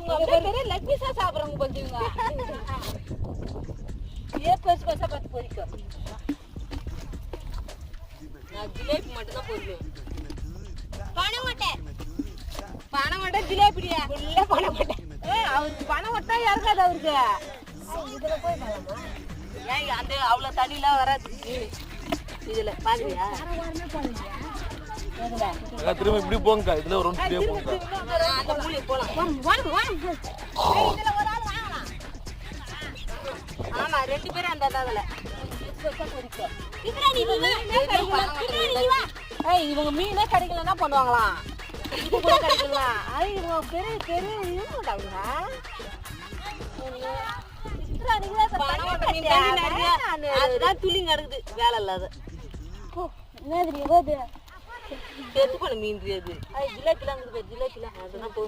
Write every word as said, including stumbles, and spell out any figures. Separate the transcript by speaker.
Speaker 1: இவங்க லெக் பீஸா சாப்பிடுறவங்க கொஞ்சம் ஏ பெருசு பெருசா பார்த்து பொரிக்கும். நான் ஜிலேபி மட்டும் தான் பொரிக்கும். பனை மட்டை பனை மட்டை ஜிலேபிடியா இல்ல பனை மட்டை. ஏ அவருக்கு பனை மட்டை இறங்காது அவருக்கு. இதுல போய் பண்ணலாமா? ஏன் அந்த அவ்வளவு தண்ணிலாம் வராது இதுல பாக்குறியா?
Speaker 2: திரும்ப இப்படி போங்க. இதுல ஒரு ரவுண்ட் இப்படியே போங்க.
Speaker 1: அந்த மூலைய போலாம். வாங்க வாங்க. இதுல ஒரு ஆள் வாங்கலாம். ஆமா ரெண்டு பேரும் அந்த அதுல. இதுல நீ வா. ஏய் இவங்க மீனே கிடைக்கலன்னா பண்ணுவாங்களாம். இது கூட கிடைக்கலாம். அது இவங்க பெரிய பெரிய இவங்கடாங்க. சித்ரா நீங்க பணம் மீன் தண்ணி நிறைய அதுதான் துளி நடக்குது வேலை இல்லாத. ஓ என்னது நீ ஓது செத்து போன மீன் அது. ஐ ஜிலேபிலாம் இருக்குது ஜிலேபிலாம் அதெல்லாம்